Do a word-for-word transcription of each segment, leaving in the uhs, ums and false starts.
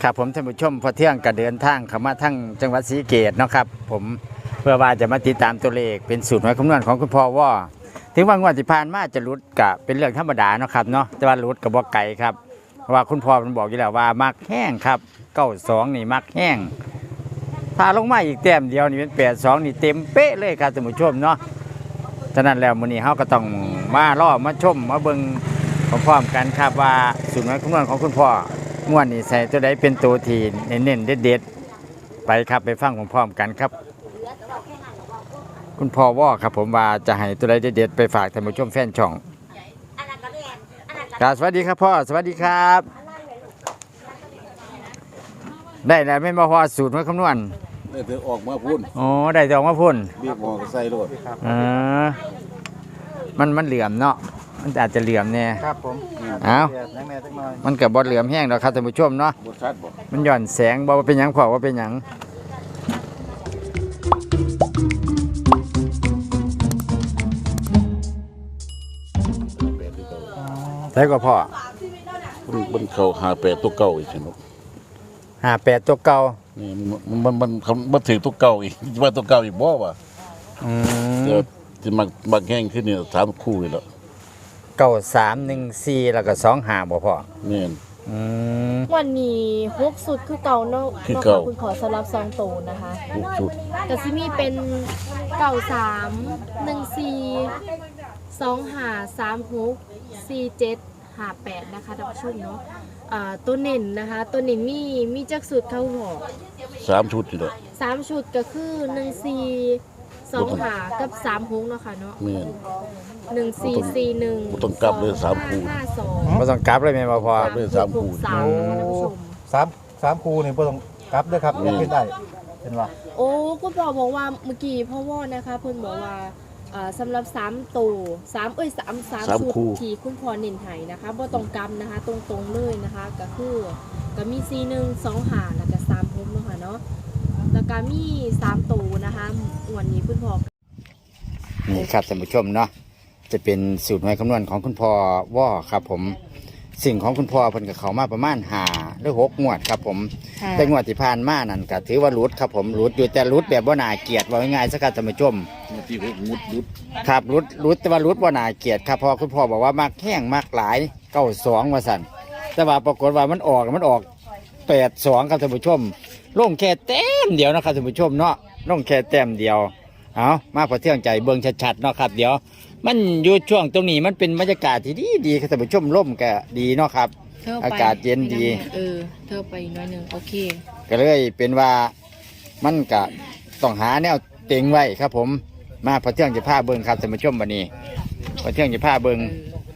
ครับผมท่านผู้ชมพอเที่ยงกระเดินทางเข้ามาทั้งจังหวัดศรีสะเกษเนาะครับผมเพื่อว่าจะมาติดตามตัวเลขเป็นสูตรหวยคำนวณของคุณพ่อว่าถึงว่างวดที่ผ่านมาจะรุดกะเป็นเรื่องธรรมดาเนาะครับเนาะแต่ว่ารุดกับบ่ไก่ครับเพราะว่าคุณพ่อมันบอกอยู่แล้วว่ามักแห้งครับเก้าสองนี่มักแห้งถ้าลงมาอีกแต้มเดียวนี่เป็นแปดสองนี่เต็มเป๊ะเลยครับท่านผู้ชมเนาะฉะนั้นแล้วมื้อนี้เฮาก็ต้องมาล่อมาชมมาเบิ่งพร้อมๆกันครับว่าสูตรหวยคำนวณของคุณพ่องวดนี้ใส่ตัวใดเป็นตัวที่เน้นๆเด็ดๆไปครับไปฟังพร้อมๆกันครับคุณพ่อว่าครับผมว่าจะให้ตัวใดเด็ดๆไปฝากท่านผู้ชมแฟนช่องครับสวัสดีครับพ่อสวัสดีครับได้แล้วไม่มาพอสูตรหวยคำนวณได้เธอออกมาพุ่นอ๋อได้จะออกมาพุ่นเบียกหมอกใส่รถเออมันมันเหลื่อมเนาะมันอาจจะเหลื่อมเนี่ยครับผมอ้าวมันกับบอลเหลื่อมแห้งแล้วครับท่านผู้ชมเนาะมันหย่อนแสงบอกว่าเป็นหยังพอว่าเป็นหยังใช่ก็พ่อมันเขาหาแปดตัวเก่าอีกใช่ไหมหาแปดตัวเก่านี่มันมันมันมันถือตัวเก่าอีกว่าตัวเก่าอีกบ่วะอืมเดี๋ยวที่มันบางแห้งขึ้นเนี่ยสามคู่เลยแล้วเก้าสามหนึ่งสี่แล้วก็สองหาบ่พ่อเนี่ยวันนี้ฮุกสุดคือเก่าเนาะคือเก่าคุณขอสำหรับซองโตนะคะฮุกสุดแต่ซิมีเป็นเก่าสามหนึ่งสี่สองหาสามฮุกสี่เจ็ดหาแปดนะคะท่านผู้ชมเนาะตัวเน่นนะคะตัวเน่นมีมีจักสุดเข้าหัวสามชุดอยู่เลยสามชุดก็คือหนึ่งสี่สองหากับสามฮุกเนาะค่ะเนาะเนี่ยหนึ่งสี่สี่หนึ่งต้องกลับเลยสามคู่ห้าสองไม่ต้องกลับเลยแม่พอเลยสามคู่สามสามสามคู่นี่ไม่ต้องกลับด้วยครับยังขึ้นได้เป็นว่าโอ้คุณพ่อบอกว่าเมื่อกี้พ่อว่านะคะเพิ่นบอกว่าสำหรับสามตัวสามเอ้ยสามสามชุดที่คุณพ่อเน้นไห้นะคะบ่ต้องกำนะคะตรงๆเลยนะคะก็คือก็มีสี่หนึ่งสองหาแล้วก็สามพบเนาะค่ะเนาะแล้วก็มีสามตัวนะคะวันนี้คุณพ่อนี่ครับท่านผู้ชมเนาะจะเป็นสูตรหวยคำนวณของคุณพ่อว่าครับผมสิ่งของคุณพ่อเพิ่นกับเขามาประมาณห้าหรือหกงวดครับผมแต่งวดที่ผ่านมานั่นก็ถือว่ารุดครับผมรุดอยู่แต่รุดแบบว่าน่าเกลียดว่าง่ายๆสักการท่านผู้ชมที่หกมุดรุดครับรุดรุดแต่ว่ารุดว่าน่าเกลียดครับเพราะคุณพ่อบอกว่ามักแห้งมักหลายเก้าสองว่าสั่นแต่ว่าปรากฏว่ามันออกมันออกแปดสองครับท่านผู้ชมลงแค่แต้มเดียวนะครับท่านผู้ชมเนาะลงแค่แต้มเดียวเอามาพอเที่ยงใจเบิ่งชัดๆเนาะครับเดี๋ยวมันอยู่ช่วงตรงนี้มันเป็นบรรยากาศที่ดีดีครับท่านผู้ชมร่มก็ดีเนาะครับอากาศเย็นดีเออเธอไปน้อยหนึ่งโอเคก็เลยเป็นว่ามันก็ต้องหาแนวเต็งไว้ครับผมมาพอเที่ยงจะพาเบิ่งครับท่านผู้ชมวันนี้พอเที่ยงจะพาเบิ่ง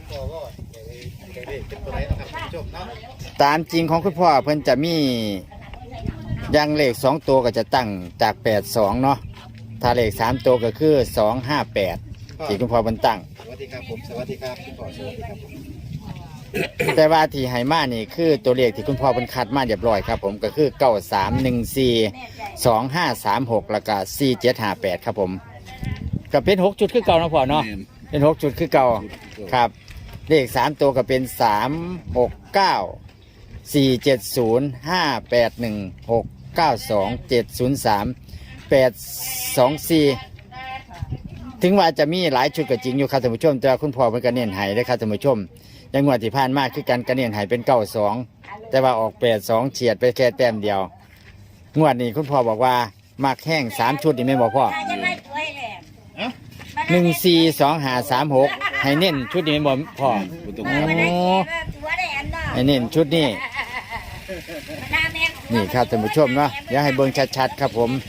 ตามจริงของคุณพ่อเพิ่นจะมียางเลขสองตัวก็จะตั้งจากแปดสองเนาะถ้าเลขสามตัวก็คือสองห้าแปดที่คุณพ่อบรรตั้งสวัสดีครับผมสวัสดีครับคุณพ่อสวัสดีครับแต่ว่าที่ไฮมานี่คือตัวเลขที่คุณพ่อบรรคัดมาเรียบร้อยครับผมก็คือเก้าสามหนึ่งสี่สองห้าสามหกแล้วก็สี่เจ็ดห้าแปดครับผมก็เป็นหกจุดคือเก่านะพ่อเนาะเป็นหกจุดคือเก่าครับเลขสามตัวก็เป็นสามหกเก้าสี่เจ็ดศูนย์ห้าแปดหนึ่งหกเก้าสองเจ็ดศูนย์สามแปดสองสี่ถึงว่าจะมีหลายชุดก็จริงอยู่ครับท่านผู้ชมแต่คุณพ่อเป็นกระเนียนไห้ได้ครับท่านผู้ชมยังงวดที่ผ่านมาคือการกระเนียนไห้เป็นเก้าสองแต่ว่าออกแปดสองเฉียดไปแค่แต้มเดียวงวดนี้คุณพ่อบอกว่ามักแห้งสามชุดนี่ไม่บอกพ่อหนึ่งสี่สองห้าสามหกให้เน้นชุดนี้ไม่บอกพ่อให้เน้นชุดนี้นี่ครับท่านผู้ชมเนาะเดี๋ยวให้เบิ่งชัดๆครับผม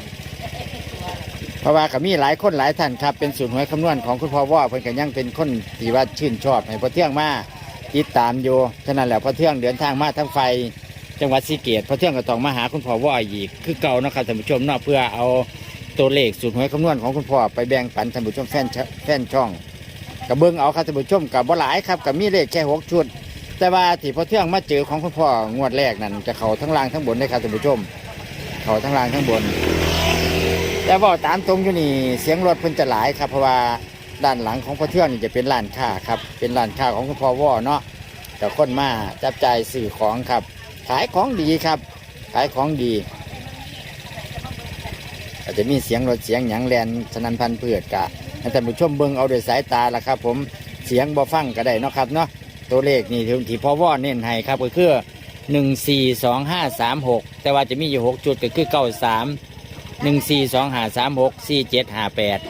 เพราะว่าก็มีหลายคนหลายท่านครับเป็นสูตรหวยคำนวณของคุณพ่อว่าเพิ่นก็ยังเป็นคนที่ว่าชื่นชอบให้พอเที่ยงมาติดตามอยู่ฉะนั้นแหละพอเที่ยงเดินทางมาทั้งไฟจังหวัดศรีสะเกษพอเที่ยงก็ต้องมาหาคุณพ่อว่าอีกคือเก่านะครับท่านผู้ชมเนาะเพื่อเอาตัวเลขสูตรหวยคำนวณของคุณพ่อไปแบ่งปันท่านผู้ชมแฟนแฟนช่องกับเบิ้งเอาครับท่านผู้ชมกับบ่หลายครับกับมีเลขแค่หกชุดแต่ว่าที่พอเที่ยงมาเจอของคุณพ่องวดแรกนั่นจะเข่าทั้งล่างทั้งบนได้ครับท่านผู้ชมเข่าทั้งล่างทั้งบนแต่ว่าตามตรงอยู่นี่เสียงรถเพิ่นจะหลายครับเพราะว่าด้านหลังของพ่อเที่ยงนี่จะเป็นร้านค้าครับเป็นร้านค้าของคุณพ่อว่าเนาะแต่คนมาจับจ่ายสื่อของครับขายของดีครับ ขายของดีอาจจะมีเสียงรถเสียงหยังแลนสนันพันเพือดกะให้ท่านผู้ชมเบิ่งเอาด้วยสายตาละครับ ผมเสียงบ่ฟังก็ได้เนาะครับเนาะตัวเลขนี่ที่พ่อว่อเน้นให้ครับก็คือหนึ่งสี่สองห้าสามหกแต่ว่าจะมีอยู่หกจุดก็คือเก้าสามหนึ่งสี่สองห้าสามหกสี่เจ็ดห้าแปด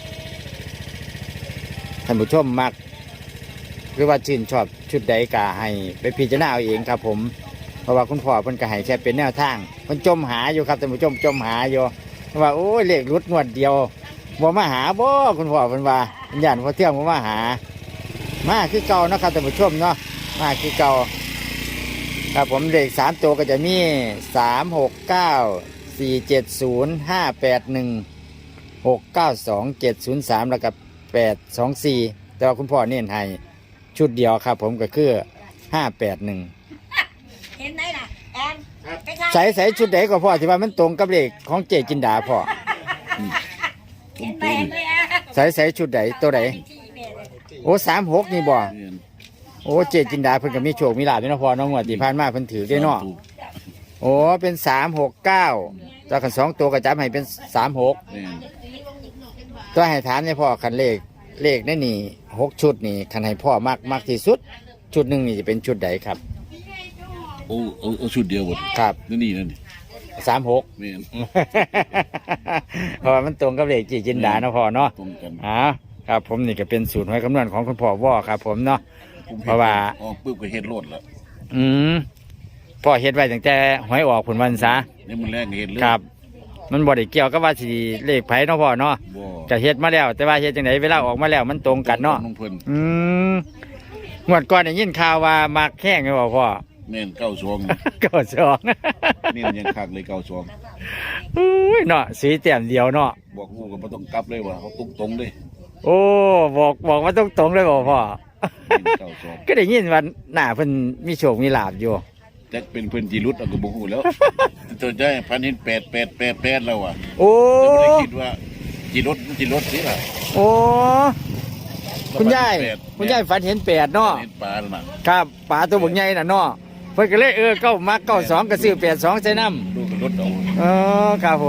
ท่านผู้ชมมักหรือว่าชื่นชอบชุดใดก็ให้ไปพิจารณาเอาเองครับผมเพราะว่าคุณพ่อเพิ่นก็ให้แค่เป็นแนวทางเพิ่นจมหาอยู่ครับท่านผู้ชมจมหาอยู่ว่าโอ้ยเลขรุดงวดเดียวบ่มาหาบ่คุณพ่อเพิ่นว่าญาติพ่อเที่ยงบ่มาหามาคือเก่าเนาะครับท่านผู้ชมเนาะมาคือเก่าครับผมเลขสามตัวก็จะมีสามหกเก้าสี่เจ็ดศูนย์ห้าแปดหนึ่งหกเก้าสองเจ็ดศูนย์สามแล้วก็แปดสองสี่แต่ว่าคุณพ่อเน้นให้ชุดเดียวครับผมก็คือห้าแปดหนึ่งเห็นไหมล่ะแอนไปทางใส่ใส่ชุดไหนก็พ่อที่ว่ามันตรงกับเลขของเจจินดาพ่อเห็นไหมเห็นไหมอ่ะใส่ใส่ชุดไหนตัวไหนที่แม่เลยโอ้สามหกนี่บ่แม่นโอ้เจจินดาเพิ่นก็มีโชคมีลาภอยู่เนาะพ่อน้องงวดที่ผ่านมาเพิ่นถือได้เนาะโอ้เป็นสามหกเก้าตัวกันสองตัวก็จับให้เป็นสามหกแม่นตัวให้ถามเนี่ยพ่อคันเลขเลขนั่นนี่หกชุดนี่คันให้พ่อมากมากที่สุด ชุดหนึ่งนี่จะเป็นชุดใดครับโอ้เอาเอาชุดเดียวหมดครับนี่นี่นั่นนี่สามหกแม่นเพราะว่ามันตรงกับเลขเจจินดาเนาะพ่อเนาะตรงกันอ่าครับผมนี่ก็เป็นสูตรหวยคำนวณของคุณพ่อว่อครับผมเนาะผมเพราะว่าออกปุ๊บก็เฮ็ดโลดแล้วอืมพ่อเฮ็ดไว้ตั้งแต่หวยออกผลวันซะนี่มันแรงก็เฮ็ดเลยครับ มันบ่ได้เกี่ยวกับว่าสิเลขไผเนาะพ่อเนาะบ่ก็เฮ็ดมาแล้ว แต่ว่าเฮ็ดจังไดเวลาออกมาแล้วมันตรงกันเนาะน้องเพิ่นอืมงวดก่อนได้ยินข่าวว่ามักแข้งไงบ่พ่อแม่นเก้าสองก็สองนี่มันยังคักเลยเก้าสองอุ้ยเนาะสีแต้มเดียวเนาะบอกลูกก็บ่ต้องกลับเลยว่าเขาตรงตรงๆเลยโอ้บอกบอกว่าตรงๆเลยบ่พ่อนี่เก้าสองก็ได้ยินว่าหน้าเพิ่นมีโชคมีลาภอยู่จักเป็นเพิ่นจีรุดเอาก็บ่ฮู้แล้ว ตัวใจพันเห็นแปดแปดแปดแปดแล้วอ่ะโอ้แต่บ่ได้คิดว่าจีรถจีรถสิล่ะโอ้คุณยายแปดคุณยายฝันเห็นแปดเนาะเห็นปลาแล้วน่ะครับปลาตัวบักใหญ่น่ะเนาะเพิ่นก็เลยเออเก้ามักเก้าสองก็ซื้อแปดสองใส่น้ำลูกก็รถเอาเออครับผม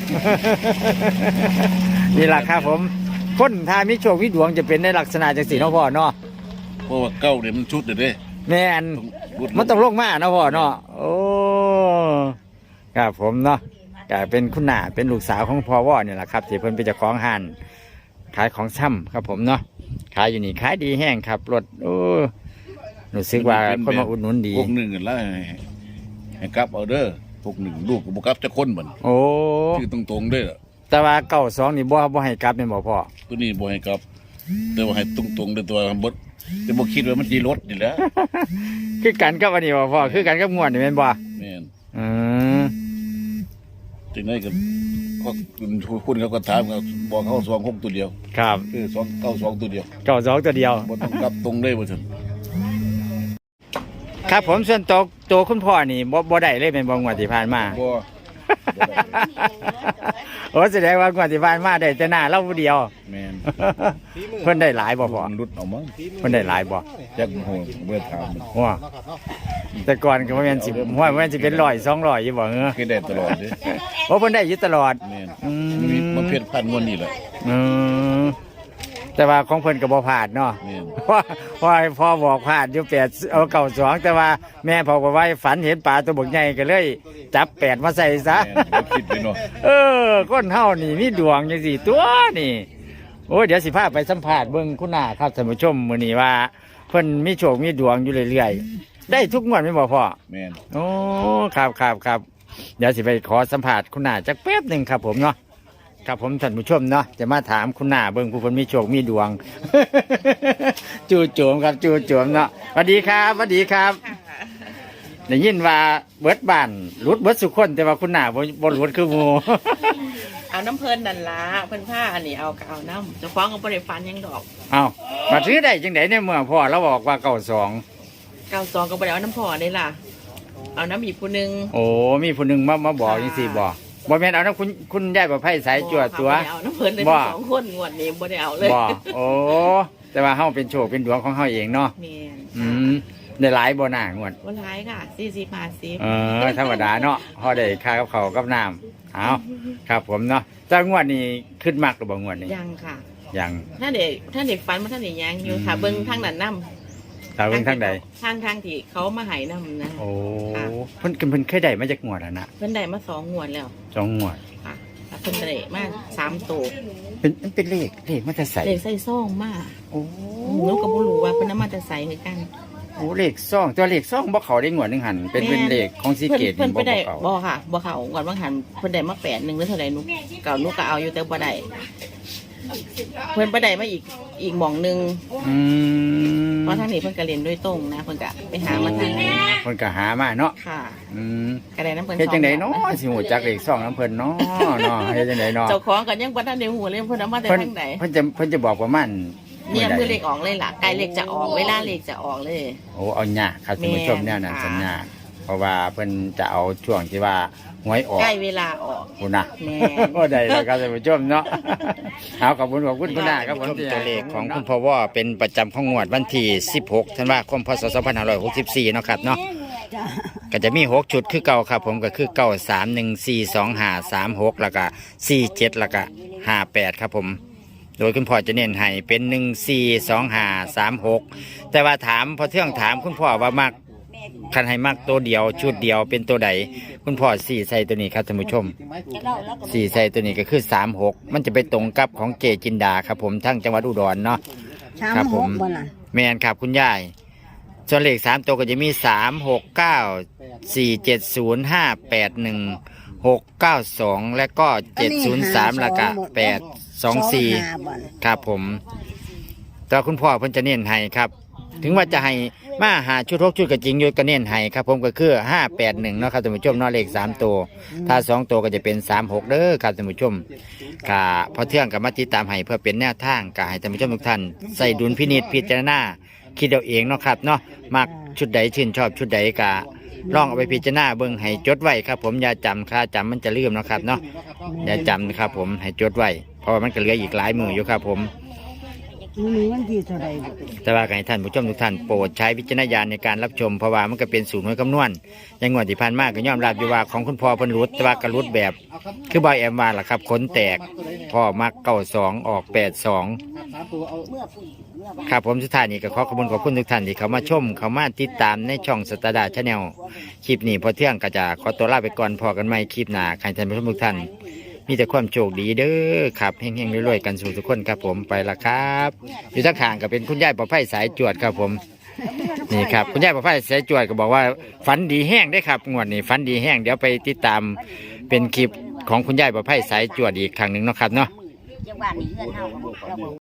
นี่แหละครับผมคนถ้ามีโชคมีดวงจะเป็นในลักษณะจังสีเนาะพ่อเนาะเพราะว่าเก้าเนี่ยมันชุดเด้อเด้แม่นรุดมันต้องลงมาเนาะพ่อเนาะโอ้ครับผมเนาะก็เป็นคุณหน้าเป็นลูกสาวของพ่อว่อเนี่ยแหละครับที่เพิ่นเป็นเจ้าของห้านขายของช่ำครับผมเนาะขายอยู่นี่ขายดีแห้งครับรถโอ้รู้สึกว่าคนมาอุดหนุนดีพวกหนึ่งกันแล้วให้ให้กลับเอาเด้อพวกหนึ่งลูกก็บ่กลับจะคนเหมือนโอ้ชื่อตรงๆเด้อแต่ว่าเก้าสองนี่บ่บ่ให้กลับเป็นบ่พ่อตัวนี้บ่ให้กลับแต่ว่าให้ตรงๆเด้อตัวบ่จะบ่คิดว่ามันสิรถนี่แหละคือกันกับอันนี้บ่พ่อคือกันกับงวดนี่แม่นบ่แม่นอืมจังได๋ก็ก็คุณคุณเขาก็ถามก็บอกเขาสองหกตัวเดียวครับคือสองเก้าสองตัวเดียวเก้าสองตัวเดียวบ่ต้องกลับตรงเลยว่าซั่นครับผมส่วนตัวตัวคุณพ่อนี่บ่บ่ได้เลยเป็นบ่งวดที่ผ่านมาบ่โอ้แสดงว่างวดที่ผ่านมาได้แต่หน้าเราผู้เดียวแม่นเพิ่นได้หลายบ่พ่อมันรุดเอามั้งเพิ่นได้หลายบ่จักโหเบ่ถามมันว้าเนาะครับเนาะแต่ก่อนก็บ่แม่นสิห้วยบ่แม่นสิเป็นร้อยสองร้อยอยู่บ่เออคือได้ตลอดเด้โอ้เพิ่นได้อยู่ตลอดแม่นอืมมันมีมันเพี้ยนพันงวดนี่แหละอืมแต่ว่าของเพิ่นก็บ่พลาดเนาะแม่นเพราะเพราะพ่อบอกพลาดอยู่แปดเอาเก้าสองแต่ว่าแม่บอกว่าฝันเห็นปลาตัวบักใหญ่ก็เลยจับแปดมาใส่ซะแม่นบ่คิดไปเนาะเออคนเฮานี่มีดวงจังสี่ตัวนี่โอ้ยเดี๋ยวสิพาไปสัมภาษณ์เบิ่งคุณหน้าครับท่านผู้ชมมื้อนี้ว่าเพิ่นมีโชคมีดวงอยู่เรื่อยๆได้ทุกงวดแม่นบ่พ่อแม่นโอ้ครับครับครับเดี๋ยวสิไปขอสัมภาษณ์คุณหน้าจักแป๊บหนึงครับผมเนาะครับผมท่านผู้ชมเนาะจะมาถามคุณหน้าเบิ่งผู้เพิ่นมีโชคมีดวง จู่โจมครับจู่โจมเนาะสวัสดีครับสวัสดีครับได้ยินว่าเบิดบ้านหลุดเบิดสุคนแต่ว่าคุณหน้าบ่บ่หลุดคือหมู่เอาน้ำเพลินนั่นละเพิ่นผ้าอันนี้เอาก็เอาน้ำเจะฟ้าของบริฟันหยังดอกเอามาซื้อได้จังไดเนี่ยเมื่อพ่อเราบอกว่าเก้าสองเก้าซองก็บริเอาน้ำพอได้ล่ะ เอาน้ำอีกผู้หนึงโอ้มีผู้หนึ่งมามาบอกยังสี่บอกบอกแม่นเอานะคุณคุณยายประไพสายจวดตัวบ่ได้เอาน้ำเพลินเลยบ่ทั้งสองคนงวดนี้บ่ได้เอาเลยบอกโอ้แต่ว่าเฮาเป็นโชคเป็นดวงของเฮาเองเนาะแม่นอืมในหลายบ่หน้างวดวันท้ายค่ะสี่สิบห้าสิบเออธรรมดาเนาะพอได้ค่ากับเขาวกับน้ำเอาครับผมเนาะจ้างวดนี้ขึ้นมากหรือบ่งวดนี้ยังค่ะยังถ้าเด็กถ้าเด็กฟันมาถ้าเด็กยังอยู่ค่ะเบิ้งทางนั้นน้ำตาเบิ่งทางใดทางทางที่เขามาใหายน้ำนะโอ้เพิ่นเพิ่นเคยได้มาจากงวดแล้วนะเพิ่นได้มาสองงวดแล้วสองงวดค่ะแต่เพิ่นได้มาสามตัวเป็นมันเป็นเลขเลขมันจะใส่เด็กใส่ซ่องมาโอ้หนูก็บ่รู้ว่าเพิ่นนำมาจะใส่คือกันโหเลขซ่องตัวเลขซ่องบ่เขาได้งวดหนึงหันเป็นเป็นเลขของซีเกตเพิ่นบ่เพิ่นไปได้เขาบ่ค่ะบ่เขางวดบางหันเพิ่นได้มาแปดหนึ่งหรือเท่าใดหนูเก่าหนูก็เอาอยู่แต่บ่ได้เพิ่นไปได้มาอีกอีกหม่องหนึงอืมเพราะทางนี้เพิ่นก็เรียนด้วยตรงนะเพิ่นก็ไปหามาทางนี้เพิ่นก็หามาเนาะค่ะอืมก็ได้น้ำเพิ่นเฮ็ดจังได๋สอเนาะแบบสิฮู้จักเลขซ่องน้ำเพิ่นเนาะเนาะเฮ็ดจังได๋เนาะเจ้าของก็ยังบ่ทันได้ฮู้เลยเพิ่นเอามาแต่เพิ่นทางไหนเพิ่นจะเพิ่นจะบอกประมาณเนี่ยใดมือเลขออกเลยล่ะใกล้เลขจะออกเวลาเลขจะออกเลยโอ้เอาหยากครับท่านผู้ชมแม่นแนวนั้นค่ะสัญญาเพราะว่าเพิ่นจะเอาช่วงที่ว่าหวยออกใกล้เวลาออกคุณนะแม่นโอ้ได้แล้วครับท่านผู้ชมเนาะ เอาขอบคุณขอบคุณคุณนาครับผมตัวเลขของคุณพ่อว่าเป็นประจำของงวดวันที่สิบหกธันวาคมพศสองพันห้าร้อยหกสิบสี่เนาะครับเนาะก็จะมีหกชุดคือเก่าครับผมก็คือเก้าสามหนึ่งสี่สองห้าสามหกแล้วก็สี่เจ็ดแล้วก็ห้าแปดครับผม โดยคุณพ่อจะเน้นให้เป็นหนึ่งสี่สองห้าสามหกแต่ว่าถามพอเที่ยงถามคุณพ่อว่ามักคันให้มักตัวเดียวชุดเดียวเป็นตัวใดคุณพ่อสี่ใส่ตัวนี้ครับท่านผู้ชมสี่ใส่ตัวนี้ก็คือสามหกมันจะไปตรงกับของเจจินดาครับผมทั้งจังหวัดอุดรเนาะสามครับหผกมบ่ล่ะแมนครับคุณยายส่วนเลขสามตัวก็จะมีสามหกเก้าสี่เจ็ดศูนย์ห้าแปดหนึ่งหกเก้าสองและก็เจ็ดศูนย์สามแล้วก็แปดสองสี่ห้าบ่ล่ะครับผมแต่คุณพ่อเพิ่นจะเน้นให้ครับ ถึงว่าจะให้มาหาชุดหกชุดก็จริงอยู่ก็เน้นให้ครับผมก็คือห้าแปดหนึ่งเนาะครับท่านผู้ชมเนาะเลขสามตัวถ้าสองตัวก็จะเป็นสามหกเด้อครับท่านผู้ชมกะพอเที่ยงกับมาติดตามให้เพื่อเป็นแนวทางกะให้ท่านผู้ชมทุกท่านใส่ดุลพินิจพิจารณาคิดเอาเองเนาะครับเนาะมักชุดใดชื่นชอบชุดใดกะลองเอาไปพิจารณาเบิ่งให้จดไว้ครับผมอย่าจำค่าจำมันจะลืมเนาะครับเนาะอย่าจำนะครับผมให้จดไว้เพราะว่ามันก็เหลืออีกหลายมืออยู่ครับผมมีวันที่เท่าใดบ่แต่ว่าให้ท่านผู้ชมทุกท่านโปรดใช้วิจารณญาณในการรับชมเพราะว่ามันก็เป็นสูตรหน่วยคำนวณอยังงวดที่ผ่านมาก็ยอมรับอยู่ว่าของคุณพ่อเพิ่นรุดแต่ว่ากระรุดแบบ คือบอยแอมว่าล่ะครับขนแตกพ่อมักเก้าสองออกแปดสองครับผมสุดท้ายนี้ก็ขอขอบคุณขอบคุณทุกท่านที่เขามาชมเขามาติดตามในช่องสตาร์ดาชาแนลคลิปนี้พอเที่ยงก็จะขอตัวลาไปก่อนพอกันใหม่คลิปหน้าใครท่านผู้ชมทุกท่านมีแต่ความโชคดีเด้อครับเฮงๆรวยๆกันสู่ทุกคนครับผมไปละครับอยู่ทั้งข้างก็เป็นคุณยายประไพสายจวดครับผมนี่ครับคุณยายประไพสายจวดก็บอกว่าฝันดีแห้งได้ครับงวดนี้ฝันดีแห้งเดี๋ยวไปติดตามเป็นคลิปของคุณยายประไพสายจวดอีกครั้งหนึ่งเนาะครับเนาะจังหวะนี้เงินเฮา